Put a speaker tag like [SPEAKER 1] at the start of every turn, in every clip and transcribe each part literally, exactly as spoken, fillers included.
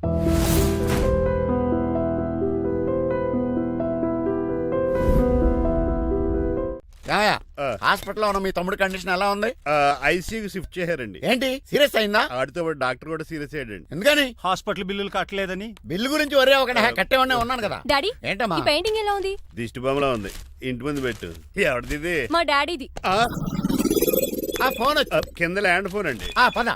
[SPEAKER 1] హాస్పిటల్లో ఉన్న మీ తమ్ముడి కండిషన్ ఎలా ఉంది?
[SPEAKER 2] ఐసీయూకి షిఫ్ట్ చేశారండి.
[SPEAKER 1] ఏంటి సీరియస్ అయిందా?
[SPEAKER 2] ఆడితో డాక్టర్ కూడా సీరియస్ అయ్యాడండి.
[SPEAKER 1] ఎందుకని?
[SPEAKER 3] హాస్పిటల్ బిల్లులు కట్టలేదని.
[SPEAKER 1] బిల్లు గురించి ఒరే ఒకటి కట్టేవాడినే ఉన్నాను కదా.
[SPEAKER 4] డాడీ
[SPEAKER 1] ఏంటమ్మా
[SPEAKER 4] ఈ పెయింటింగ్ ఎలా ఉంది?
[SPEAKER 2] దిష్టి బొమ్మలా ఉంది. ఇంటి ముందు పెట్టు. ఎవరిది?
[SPEAKER 4] మా డాడీది.
[SPEAKER 1] ఆ ఫోన్
[SPEAKER 2] కింద ల్యాండ్ ఫోన్ అండి.
[SPEAKER 1] ఆ పద.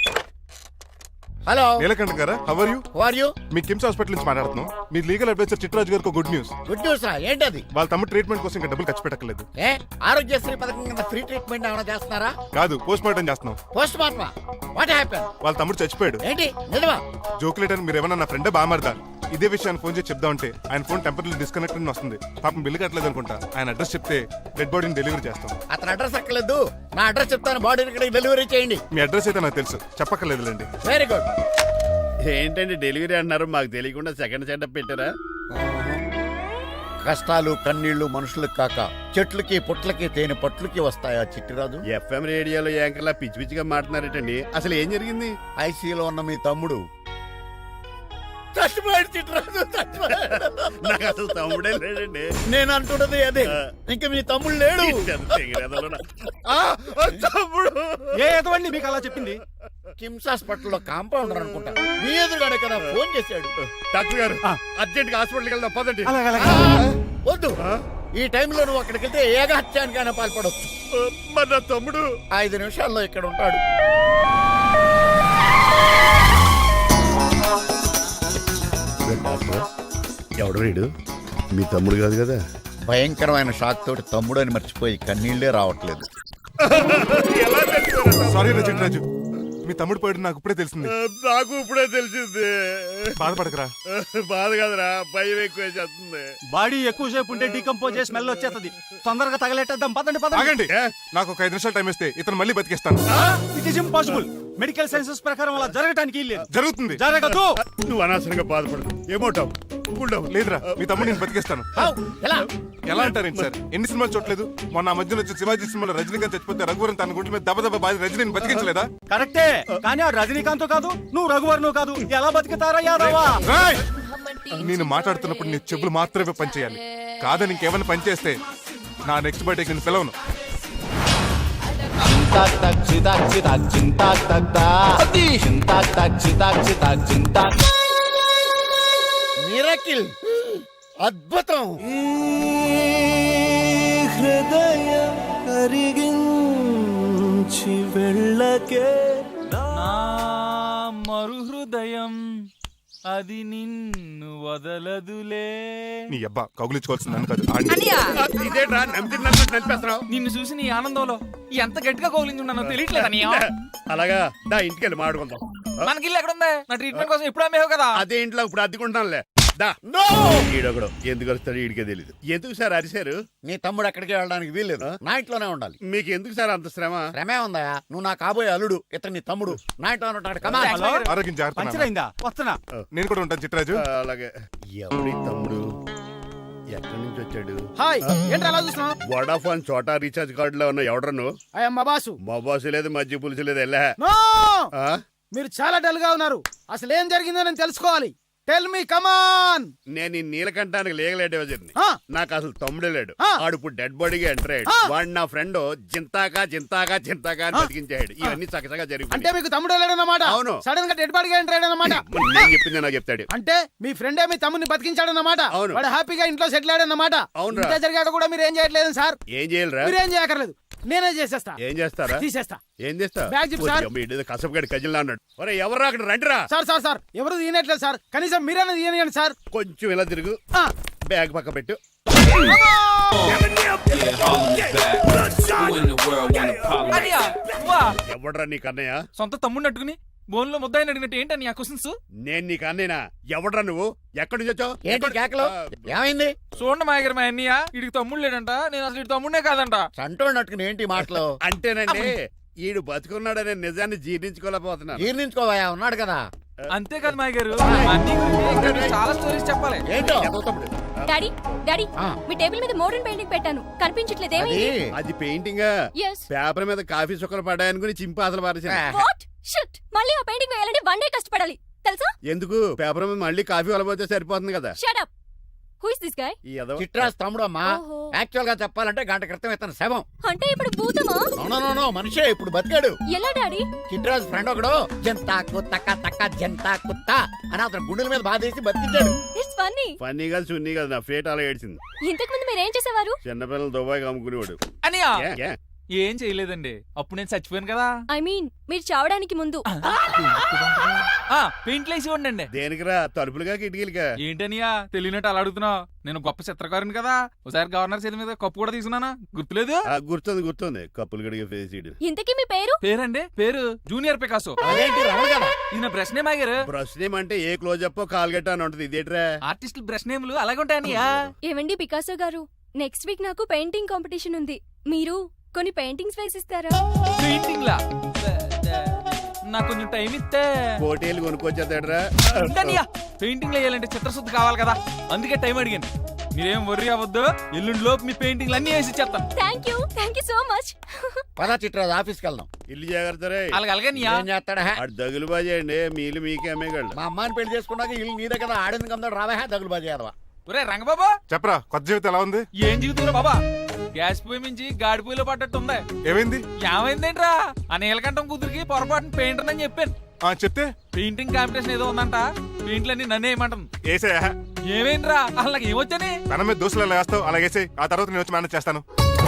[SPEAKER 1] హలో
[SPEAKER 5] నీలకంఠ గారా, how are you?
[SPEAKER 1] How are you?
[SPEAKER 5] మీ కిమ్స్ హాస్పిటల్ నుంచి మాట్లాడుతున్నాం. మీ లీగల్ అడ్వైజర్ చిట్రాజు గారికి గుడ్ న్యూస్.
[SPEAKER 1] గుడ్ న్యూస్ రా. ఏంటది?
[SPEAKER 5] వాళ్ళ తమ్ముడు ట్రీట్మెంట్ కోసం ఇంకా డబ్బులు ఖర్చు పెట్టలేదు.
[SPEAKER 1] ఏ ఆరోగ్యశ్రీ పథకం కింద ఫ్రీ ట్రీట్మెంట్ ఏమైనా చేస్తున్నారా?
[SPEAKER 5] కాదు, పోస్ట్ మార్టం చేస్తున్నాం.
[SPEAKER 1] పోస్ట్ మార్టమా? What happen?
[SPEAKER 5] వాళ్ళ తమ్ముడు చచ్చిపోయాడు.
[SPEAKER 1] ఏంటి నిజమా?
[SPEAKER 5] జోకులేట్ అని మీరు ఏమన్నా నా ఫ్రెండ్ బామారదా? ఇదే విషయాన్ని ఫోన్ చేసి చెప్దామంటే ఆయన ఫోన్ టెంపరీ డిస్కనెక్ట్ అని వస్తుంది. పాపం బిల్లు కట్టలేదు అనుకుంటా. ఆయన అడ్రస్ చెప్తే డెడ్ బాడీని డెలివరీ చేస్తాం.
[SPEAKER 1] అతను అడ్రస్ అక్కర్లేదు, నా అడ్రస్ చెప్తాను, బాడీని ఇక్కడికి డెలివరీ చేయండి.
[SPEAKER 5] మీ అడ్రస్ అయితే నాకు తెలుసు, చెప్పక్కర్లేదులేండి.
[SPEAKER 1] Very good.
[SPEAKER 2] ఏంటండి డెలివరీ అన్నారు, మాకు తెలియకుండా సెకండ్ సెటప్ పెట్టారా?
[SPEAKER 1] కష్టాలు కన్నీళ్లు మనుషులకు కాక చెట్లకి పుట్లకి తేనె పట్లకి వస్తాయా చిట్టిరాజు?
[SPEAKER 2] ఎఫ్ఎం రేడియోలో యాంకర్లా పిచ్చి పిచ్చిగా మాట్లాడారేటండి. అసలు ఏం జరిగింది?
[SPEAKER 1] ఐసీయూలో ఉన్న మీ తమ్ముడు చచ్చిపోయాడు. చిట్టిరాజు చచ్చిపోయాడు.
[SPEAKER 2] నాకు అసలు తమ్ముడే లేడండి.
[SPEAKER 1] నేను అంటున్నది అదే. ఇంకా మీ తమ్ముడు లేడు.
[SPEAKER 2] తమ్ముడు
[SPEAKER 3] ఏ ఎదవండి మీకు అలా చెప్పింది?
[SPEAKER 1] కిమ్స్ హాస్పిటల్లో కాంపౌండర్ అనుకుంటా. మీ ఎదురుగానే కదా ఫోన్ చేశాడు.
[SPEAKER 2] డాక్టర్ గారు అర్జెంట్ గా హాస్పిటల్కి వెళ్దాం పదండి.
[SPEAKER 1] వద్దు, ఈ టైంలో నువ్వు అక్కడికి వెళ్తే ఏకహత్యానికైనా పాల్పడవచ్చు.
[SPEAKER 2] మరి నా తమ్ముడు
[SPEAKER 1] ఐదు నిమిషాల్లో ఇక్కడ ఉంటాడు.
[SPEAKER 2] ఎవడు వీడు? మీ తమ్ముడు కాదు కదా?
[SPEAKER 1] భయంకరమైన షాక్ తోటి తమ్ముడు అని మర్చిపోయి కన్నీళ్లే రావట్లేదు.
[SPEAKER 5] సారీ రా చిట్రాజు, మీ తమ్ముడు పోయాడు నాకు ఇప్పుడే తెలిసింది.
[SPEAKER 2] నాకు ఇప్పుడే తెలిసింది.
[SPEAKER 5] బాధపడకరా.
[SPEAKER 2] బాధ కాదురా, భయం ఎక్కువ చేస్తుంది.
[SPEAKER 3] బాడీ ఎక్కువసేపు ఉంటే డీకంపోజ్ చేసి స్మెల్ వచ్చేస్తుంది. తొందరగా తగలెట్టేద్దాం. పదండి పదండి.
[SPEAKER 5] ఆగండి, నాకు ఒక ఐదు నిమిషాలు టైం ఇస్తే ఇతను మళ్ళీ బతికేస్తాను.
[SPEAKER 3] It is impossible. Medical sciences ప్రకారం అలా జరగటానికి లేదు.
[SPEAKER 5] జరుగుతుంది.
[SPEAKER 3] జరగదు.
[SPEAKER 2] నువ్వు అనవసరంగా బాధపడదు. ఏమోటావు?
[SPEAKER 5] లేదురా, మీ తమ్ముడు నేను బతికేస్తాను. ఎలా అంటారేంటి సార్? ఎన్ని సినిమాలు చూడలేదు? మొన్న మధ్యలో వచ్చి శివాజీ సినిమాలో రజనీకాంత్ చచ్చిపోతే రఘువరన్ తన గుండె మీద దెబ్బ దెబ్బ బాధ రజనీని బతికించలేదా?
[SPEAKER 3] కరెక్టే, కానీ ఆ రజనీకాంత్ కాదు, నువ్వు రఘువర్ను కాదు. ఎలా బతుకుతారా యాదవా?
[SPEAKER 5] నేను మాట్లాడుతున్నప్పుడు నీ చెవులు మాత్రమే పనిచేయాలి. కాదని ఇంకేమైనా పనిచేస్తే నా నెక్స్ట్ బర్త్డేకి నేను పిలవను.
[SPEAKER 1] మిరకిల్, అద్భుతం.
[SPEAKER 6] హృదయం కరిగించి వెళ్ళకే
[SPEAKER 7] నా మరు హృదయం అది నిన్ను వదలదులే.
[SPEAKER 5] నీ అబ్బా కౌగులించుకోవాల్సింది నన్ను కాదు.
[SPEAKER 2] ఇదేట్రా నమ్మినట్టు నడిపేస్తున్నావు?
[SPEAKER 7] నిన్ను చూసి నీ ఆనందంలో ఎంత గట్టిగా కౌలించున్నానో తెలియట్లేదా?
[SPEAKER 2] అలాగా దా ఇంటికి వెళ్ళి మాట్లాడుకుందాం.
[SPEAKER 7] మనకి ఇల్లు ఎక్కడుందా? నా ట్రీట్మెంట్ కోసం ఎప్పుడు అమ్మేవు కదా.
[SPEAKER 2] అదే ఇంట్లో ఇప్పుడు అద్దెకుంటానులే. ఈడొకడు ఎందుకు వస్తాడు ఈడికే తెలీదు. ఎందుకు సార్ అరిశారు?
[SPEAKER 1] నీ తమ్ముడు ఎక్కడికి వెళ్ళడానికి వీల్లేదు, నా ఇంట్లోనే ఉండాలి.
[SPEAKER 2] మీకు ఎందుకు సార్ అంత శ్రమ?
[SPEAKER 1] శ్రమే ఉందా? నువ్వు నా కాబోయే అల్లుడు, ఇతను నీ తమ్ముడు, నా ఇంట్లో ఉంటాడు. కమా.
[SPEAKER 5] ఆరోగ్యం జాగ్రత్త.
[SPEAKER 3] పంచరైందా? వస్తున్నా.
[SPEAKER 5] నేను కూడా ఉంటాను చిట్రాజు.
[SPEAKER 2] అలాగే. ఎవరి తమ్ముడు ఎక్కడి నుంచి వచ్చాడు?
[SPEAKER 8] హాయ్, ఏంటి అలా చూస్తున్నావు?
[SPEAKER 2] వడాఫోన్ చోటా రీఛార్జ్ కార్డు లో ఉన్న ఎవడరా నువ్వు?
[SPEAKER 8] మా బాసు.
[SPEAKER 2] మా బాసు లేదు, మధ్య పులుసు లేదు. వెళ్ళా.
[SPEAKER 8] మీరు చాలా డల్ గా ఉన్నారు. అసలు ఏం జరిగిందో నేను తెలుసుకోవాలి. Tell me, come on.
[SPEAKER 2] నేను ఈ నీలకంఠానికి లీగల్ అడ్వైజర్ని. నాకు అసలు తమ్ముడే లేడు. ఆడు ఇప్పుడు డెడ్ బాడీగా ఎంటర్ అయ్యాడు. వాడు నా ఫ్రెండ్ జింతాకా జింతాకా జింతాకా అని బతికించాడు. ఇవన్నీ చక్కగా జరిగింది.
[SPEAKER 8] అంటే మీకు తమ్ముడే లేడన్నమాట?
[SPEAKER 2] అవును.
[SPEAKER 8] సడన్ గా డెడ్ బాడీగా ఎంటర్ అయ్యాడన్నమాట.
[SPEAKER 2] నేను చెప్పింది నాకు చెప్తాడు.
[SPEAKER 8] అంటే మీ ఫ్రెండే మీ తమ్ముని బతికించాడన్నమాట.
[SPEAKER 2] అవును.
[SPEAKER 8] వాడు హ్యాపీగా ఇంట్లో సెటిల్ అయ్యాడన్నమాట.
[SPEAKER 2] అవును.
[SPEAKER 8] ఇంత జరిగాక కూడా మీరు ఏం చేయట్లేదు సార్?
[SPEAKER 2] ఏం చేయాలరా?
[SPEAKER 8] మీరేం చేయక్కర్లేదు, నేనే చేసేస్తా.
[SPEAKER 2] ఏం చేస్తారా?
[SPEAKER 8] తీసేస్తా.
[SPEAKER 2] ఏం చేస్తా?
[SPEAKER 8] Bag zip sir.
[SPEAKER 2] కసపగడి కజిల్లా అన్నాడు. ఒరే ఎవరు అక్కడ రండిరా.
[SPEAKER 8] సార్ సార్ సార్ ఎవరు తీయనట్లేదు సార్, కనీసం మీరైనా తీయనియండి సార్.
[SPEAKER 2] కొంచెం ఇలా తిరుగు. బ్యాగ్ పక్క పెట్టు. ఎవడ్రా నీకు అన్నయ్య?
[SPEAKER 7] సొంత తమ్ముడిని అట్టుకుని బోన్లో ముద్దాయిని అడిగినట్టు ఏంటని ఆ క్వశ్చన్స్?
[SPEAKER 2] నేను నీకు అన్నయ్యనా? ఎవడ్రా నువ్వు? ఎక్కడి నుంచి వచ్చావు?
[SPEAKER 1] ఏంటి కేకలు? ఏమైంది?
[SPEAKER 7] చూడండి మాయగారు, మా అన్నయ్య వీడికి తమ్ముడు లేడంట. నేను అసలు ఇటు తమ్ముడే కాదంట.
[SPEAKER 1] సంటోడినట్టుకుని ఏంటి మాటలు?
[SPEAKER 2] అంటేనండి ఈడు బతుకున్నాడనే నిజాన్ని జీర్ణించుకోలేకపోతున్నాను.
[SPEAKER 1] జీర్ణించుకోవా, ఉన్నాడు కదా.
[SPEAKER 7] అంతేకాదు మాయగారు, అన్ని చాలా స్టోరీస్ చెప్పాలి.
[SPEAKER 1] ఏంటో?
[SPEAKER 4] డాడీ డాడీ మీ టేబుల్ మీద మోడర్న్ పెయింటింగ్ పెట్టాను, కనిపించట్లేదు. ఏమైంది?
[SPEAKER 2] అది పెయింటింగ్.
[SPEAKER 4] Yes.
[SPEAKER 2] పేపర్ మీద కాఫీ చుక్కలు పడ్డాయనుకుని చింపి అసలు పారేసాను.
[SPEAKER 4] What? Shit. మళ్ళీ ఆ పెయింటింగ్ వేయాలంటే వన్ డే కష్టపడాలి. తెలుసా?
[SPEAKER 2] ఎందుకు పేపర్ మీద మళ్ళీ కాఫీ వలపోతే సరిపోతుంది కదా.
[SPEAKER 4] Shut up. Who is this guy?
[SPEAKER 2] ఈ ఎదవ.
[SPEAKER 1] చిట్రాజ్ తమ్ముడు అమ్మా.
[SPEAKER 4] ఓహో.
[SPEAKER 1] యాక్చువల్ గా చెప్పాలంటే గంట క్రితం ఇతను శవం.
[SPEAKER 4] అంటే ఇప్పుడు భూతమా?
[SPEAKER 1] నో మనిషే ఇప్పుడు బతికాడు.
[SPEAKER 4] ఎలా డాడీ?
[SPEAKER 1] చిట్రాజ్ ఫ్రెండ్ ఒకడు జంతా కుత్తక తక్క జంతా కుత్త అని అతను గుండెల మీద బాధేసి బతికించాడు.
[SPEAKER 4] It's funny.
[SPEAKER 2] ఫన్నీ కాదు సున్నీ కాదు, నా ఫేట్ అలా ఏడ్చింది.
[SPEAKER 4] ఇంతకు ముందు మీరు ఏం చేసేవారు?
[SPEAKER 2] చిన్నపిల్లలు దుబాయ్ అమ్ముకునేవాడు.
[SPEAKER 7] అనియా
[SPEAKER 2] ఏ, ఏ?
[SPEAKER 7] ఏం చేయలేదండి, అప్పుడు నేను చచ్చిపోయాను కదా.
[SPEAKER 4] ఐ మీన్ మీరు చావడానికి ముందు.
[SPEAKER 7] పెయింట్లు వేసి ఉండండి.
[SPEAKER 2] దేనికిరా? తలుపులుగా కిటికీలుగా?
[SPEAKER 7] ఏంటనియా తెలియనట్టు అలా అడుగుతున్నావు? నేను గొప్ప చిత్రకారుని కదా. ఒకసారి గవర్నర్ చేతి మీద కప్పు కూడా తీసుకున్నానా, గుర్తులేదు?
[SPEAKER 2] ఆ, గుర్తుంది గుర్తుంది. కప్పులు గడిగే ఫేస్ ఇడు.
[SPEAKER 4] ఇంతకీ మీ పేరు?
[SPEAKER 7] పేరండి పేరు జూనియర్ పికాసో.
[SPEAKER 1] అదేంటి రమణ కదా?
[SPEAKER 7] ఈయన బ్రష్ నేమ్ ఆగారు.
[SPEAKER 2] బ్రష్ నేమ్ అంటే ఏ క్లోజప్ కాల్గట్ట అని ఉంటది. ఇదేట్రా?
[SPEAKER 7] ఆర్టిస్టులు బ్రష్ నేమ్లు అలాగే ఉంటాయనియా.
[SPEAKER 4] ఏవండి పికాసో గారు, నెక్స్ట్ వీక్ నాకు పెయింటింగ్ కాంపిటీషన్ ఉంది. మీరు కొన్ని పెయింటింగ్స్ వేసిస్తారా?
[SPEAKER 7] పెయింటింగ్ లా నాకు కొంచెం టైం ఇస్తే.
[SPEAKER 2] కోటేలు కొనుక్కొచ్చేదేట్రా?
[SPEAKER 7] పెయింటింగ్ వేయాలంటే చిత్రశుద్ధి కావాలి కదా, అందుకే టైం అడిగాను. మీరేం వర్రీ అవ్వద్దు, ఎల్లుండి లోపు మీ పెయింటింగ్లు అన్ని వేసి ఇచ్చేస్తాను.
[SPEAKER 4] Thank you thank you so much.
[SPEAKER 1] పదా చిట్రాజ్ ఆఫీస్కి వెళ్దాం.
[SPEAKER 2] ఇల్లు జాగ్రత్త రే.
[SPEAKER 7] అలాగే అలాగే నీయా.
[SPEAKER 1] ఏం చేస్తాడా?
[SPEAKER 2] అటు దగులు బాజేయండి, మీలు మీకే అమ్మేగాళ్ళు.
[SPEAKER 1] మా అమ్మాయిని పెళ్లి చేసుకున్నాక ఇల్లు నీదే కదా, ఆడింది కదా రావా దగులు బాజీ అదవా.
[SPEAKER 7] ఒరే రంగబాబా,
[SPEAKER 5] చెప్పరా కొత్త జీవితం ఎలా ఉంది?
[SPEAKER 7] ఏం జీవితంలో బాబా, గ్యాస్ పొయ్యి మించి గాడి పొయ్యిలో పడ్డట్టు ఉంది.
[SPEAKER 5] ఏమైంది?
[SPEAKER 7] ఏమైందేంట్రా, ఆ నీలకంఠం కూతురికి పొరపాటున పెయింటర్ అని చెప్పాను.
[SPEAKER 5] ఆ చెప్తే
[SPEAKER 7] పెయింటింగ్ కాంపిటీషన్ ఏదో ఉందంట, పెయింట్లన్నీ నన్నే ఏమంటుంది.
[SPEAKER 5] ఏసయ్యా,
[SPEAKER 7] ఏమైందిరా అసలు నాకు ఏమొచ్చని?
[SPEAKER 5] తన మీద దోశలు ఎలా వేస్తావు అలాగేసే, ఆ తర్వాత నేను వచ్చి మేనేజ్ చేస్తాను.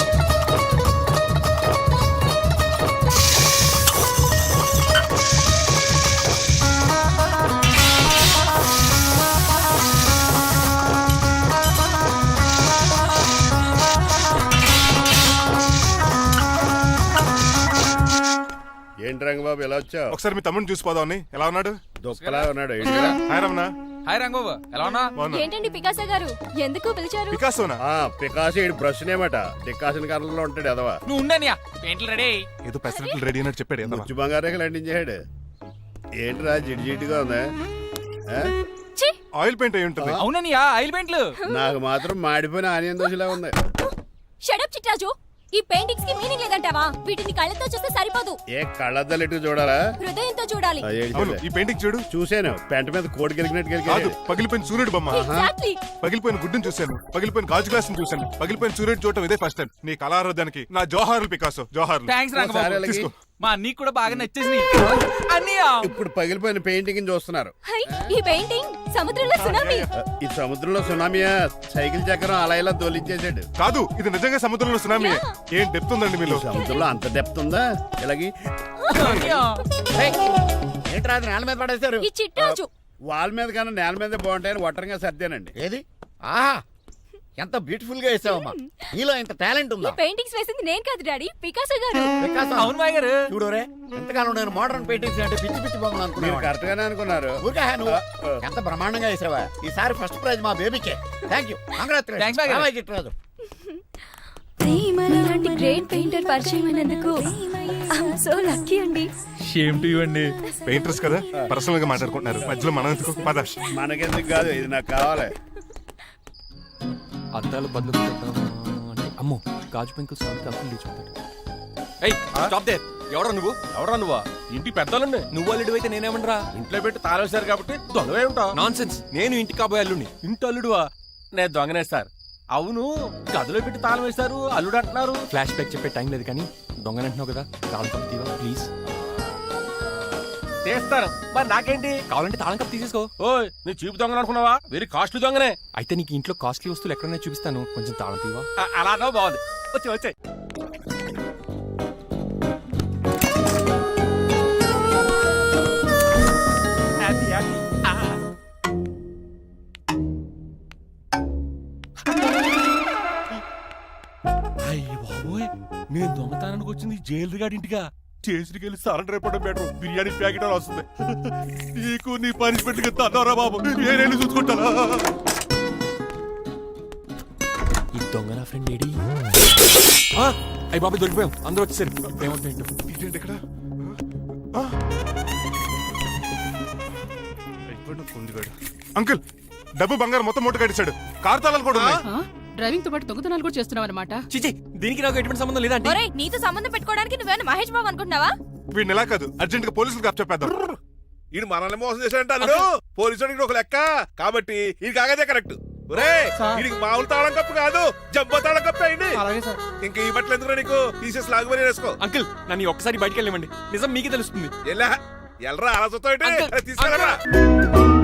[SPEAKER 2] ఏంటి రంగబాబు ఎలా వచ్చావు?
[SPEAKER 5] ఒకసారి మీ తమ్ముడిని చూసిపోదామని. ఎలా ఉన్నాడు?
[SPEAKER 2] దుఃఖలా ఉన్నాడు. ఏంటిరా?
[SPEAKER 5] హాయ్ రమణ.
[SPEAKER 7] హాయ్ రంగబాబు, ఎలా ఉన్నా?
[SPEAKER 5] బాగున్నా.
[SPEAKER 4] ఏంటండి పికాసో గారు, ఎందుకు పిలిచారు?
[SPEAKER 5] పికాసోనా?
[SPEAKER 2] ఆ పికాసి ఈడు బ్రష్ నేమట. డికాషన్ కర్రలో ఉంటాడు ఎదవా.
[SPEAKER 7] నువ్వు ఉండనియా, పెయింట్లు రెడీ.
[SPEAKER 5] ఏదో పెసరట్లు రెడీ అయినట్టు చెప్పాడు. ఏదో
[SPEAKER 2] ముచ్చు బంగారేకలు అంటించాడు. ఏంట్రా జిడ్డు జిడ్డుగా ఉందా? ఆ?
[SPEAKER 4] ఛీ!
[SPEAKER 5] ఆయిల్ పెయింట్ అయి ఉంటుంది.
[SPEAKER 7] అవుననియా, ఆయిల్ పెయింట్లు.
[SPEAKER 2] నాకు మాత్రం మాడిపోయిన ఆనియన్ దోశలా ఉంది.
[SPEAKER 4] షట్ అప్ చిట్రాజు, ఈ పెయింటింగ్స్ కి మీనింగ్ లేదంటావా? వీటిని కళ్ళతో చూస్తే సరిపోదు,
[SPEAKER 2] ఏ కళ్ళద్దాలు ఎటు చూడాలా?
[SPEAKER 4] హృదయంతో చూడాలి.
[SPEAKER 2] ఆ, ఏంటి
[SPEAKER 5] అవును,
[SPEAKER 2] చూడలే?
[SPEAKER 5] ఈ పెయింటింగ్ చూడు.
[SPEAKER 2] చూశాను. పెంట మీద కోడి గెలిగినట్టు
[SPEAKER 5] కాదు,
[SPEAKER 2] గెలిగాడు.
[SPEAKER 5] పగిలిపోయిన సూర్యుడు బొమ్మ.
[SPEAKER 4] ఎగ్జాక్ట్లీ.
[SPEAKER 5] పగిలిపోయిన గుడ్డును చూశాను, పగిలిపోయిన గాజు గ్లాస్ చూశాను, పగిలిపోయిన సూర్యుడు చూడటం ఇదే ఫస్ట్ టైం. నీ కళారోధానికి నా జోహార్లు పికాసో, జోహార్లు.
[SPEAKER 7] థ్యాంక్స్
[SPEAKER 2] ఒకసారి
[SPEAKER 7] రంగబాబు,
[SPEAKER 2] అలాగే.
[SPEAKER 5] తీసుకో.
[SPEAKER 7] మా అన్నీకి కూడా బాగా నచ్చేసింది అన్నయ్య.
[SPEAKER 2] ఇప్పుడు పగిలిపోయిన పెయింటింగ్ చూస్తున్నారు.
[SPEAKER 4] హై, ఈ పెయింటింగ్ సముద్రంలో సునామీ.
[SPEAKER 2] ఆ, ఈ సముద్రంలో సునామీయా? సైకిల్ చక్రం అలా ఇలా దోలించేసాడు.
[SPEAKER 5] కాదు, ఇది నిజంగా సముద్రంలో సునామీ. ఏం డెప్త్ ఉందండి మీలో.
[SPEAKER 2] సముద్రంలో అంత డెప్త్ ఉందా? ఇలాగి
[SPEAKER 7] అన్నయ్య,
[SPEAKER 1] ఏయ్, ఏంట్రా అది నేల మీద పడేశారు?
[SPEAKER 4] ఈ చిట్రాజు
[SPEAKER 2] వాల్ మీద కన్నా నేల మీద బాగుంటాయని ఒట్టరంగా సర్దానండి.
[SPEAKER 1] ఏది? ఆహా, ఎంత బ్యూటిఫుల్ గా వేసావమ్మా. నీలో ఇంత టాలెంట్
[SPEAKER 4] ఈ
[SPEAKER 1] ఉందా?
[SPEAKER 4] పెయింటింగ్స్ వేసింది నేను కాదు డాడీ, పికాసో గారు.
[SPEAKER 1] వికాసం.
[SPEAKER 7] అవును మాయ గారు.
[SPEAKER 1] చూడురే, ఎంతకాలం నేను మోడర్న్ పెయింటింగ్స్ అంటే పిచ్చి పిచ్చి బొమ్మలు
[SPEAKER 2] మీరు
[SPEAKER 1] అనుకున్నాను.
[SPEAKER 2] కరెక్ట్ గానే అనుకున్నారు.
[SPEAKER 1] ఊరికే హా నువ్వు. ఎంత బ్రహ్మాండంగా వేసావా. ఈసారి ఫస్ట్ ప్రైజ్ మా బేబీకే. థ్యాంక్ యూ,
[SPEAKER 7] Thanks, బాగా.
[SPEAKER 1] కంగ్రాచులేషన్ చిట్రాజు.
[SPEAKER 4] ఇలాంటి గ్రేట్ పెయింటర్ పరిచయం అయినందుకు ఐఎమ్ సో లక్కీ అండి.
[SPEAKER 7] షేమ్ టు యు అండి.
[SPEAKER 5] పెయింటర్స్ కదా, పర్సనల్ గా మాట్లాడుకుంటున్నారు. మధ్యలో మనం ఎందుకు? పద.
[SPEAKER 2] మనకెందుకు కాదు, ఇది నాకు కావాలి.
[SPEAKER 9] అద్దాలు బదులు అంటే అమ్మో గాజు పెంకులు సౌండ్ అప్పులు లేచిపోతాడు. ఏయ్ స్టాప్ దేర్. ఎవరా నువ్వు?
[SPEAKER 3] ఎవరా నువ్వా? ఇంటి పెద్దలండి.
[SPEAKER 9] నువ్వు అల్లుడు అయితే నేనేమనరా?
[SPEAKER 3] ఇంట్లో పెట్టి తాళేశారు కాబట్టి దొంగవే ఉంటావు.
[SPEAKER 9] Nonsense. నేను ఇంటి కాబోయే అల్లుడిని.
[SPEAKER 3] ఇంటి అల్లుడువా? నేను దొంగనే సార్. అవును, గదిలో పెట్టి తాళం వేశారు, అల్లుడు అంటున్నారు.
[SPEAKER 9] ఫ్లాష్ బ్యాక్ చెప్పే టైం లేదు కానీ దొంగనంటున్నావు కదా, తాళం కప్ తీవా ప్లీజ్.
[SPEAKER 3] చేస్తాను, మరి నాకేంటి?
[SPEAKER 9] కావాలంటే తాళం కప్ తీసేసుకో.
[SPEAKER 3] ఓయ్, నీ చీపు దొంగలు అనుకున్నావా? వెరీ కాస్ట్లీ దొంగనే.
[SPEAKER 9] అయితే నీకు ఇంట్లో కాస్ట్లీ వస్తువులు ఎక్కడైనా చూపిస్తాను, కొంచెం తాళం తీవా.
[SPEAKER 3] అ- అలానో బాగుంది. వచ్చి వచ్చాయి. అయ్యి బాబోయ్, నేను దొంగతనానికి వచ్చింది జైలు గాడి ఇంటిగా. చేసికి వెళ్ళి సరెండర్ అయిపోవడం బెటర్. బిర్యానీ ప్యాకెట్ అని వస్తుంది. నీకు నీ పనిష్మెంట్ తన్నారా బాబు, నేనేళ్ళు చూసుకుంటానా?
[SPEAKER 9] ఈ దొంగ నా ఫ్రెండ్ ఏడి? అయ్యి బాబు దొరికిపోయాం, అందరూ వచ్చేసరి. ఏమవుతుంది?
[SPEAKER 5] ఇదేంటి ఇక్కడ? ఆ? అయిపోయాడు కుందిగాడు. అంకుల్, డబ్బు బంగారం మొత్తం మూట కట్టించాడు. కారు తాళాలు కూడా ఉన్నాయి.
[SPEAKER 10] డ్రైవింగ్ తో పాటు దొంగతనాలు కూడా చేస్తున్నావు అనమాట.
[SPEAKER 9] చిచి, దీనికి నాకు ఎటువంటి సంబంధం లేదండి.
[SPEAKER 4] ఒరేయ్, నీతో సంబంధం పెట్టుకోవడానికి నువ్వేనా మహేష్ బాబు అనుకుంటున్నావా?
[SPEAKER 5] వీడిని ఎలా కాదు, అర్జెంట్ గా పోలీసులకు అప్ చెప్పేద్దాం.
[SPEAKER 3] ఈడు మనల్ని మోసం చేశాడంట అల్లుడు పోలీసు ఒక లెక్క కాబట్టి ఇది కాగదే కరెక్ట్ ఒరే వీడికి మామూలు తాళం కప్పు కాదు జబ్బ తాళం కప్పు అయింది ఇంకా ఈ బట్టలు ఎందుకు నీకు తీసేసి లాగుమని వేసుకో
[SPEAKER 9] అంకుల్ నన్ను ఒక్కసారి బయటికి వెళ్ళమండి నిజం మీకే తెలుస్తుంది
[SPEAKER 3] ఎలా ఎల్రా అలా చూస్తావు
[SPEAKER 9] అంకుల్,
[SPEAKER 3] తీసుకెళ్ళరా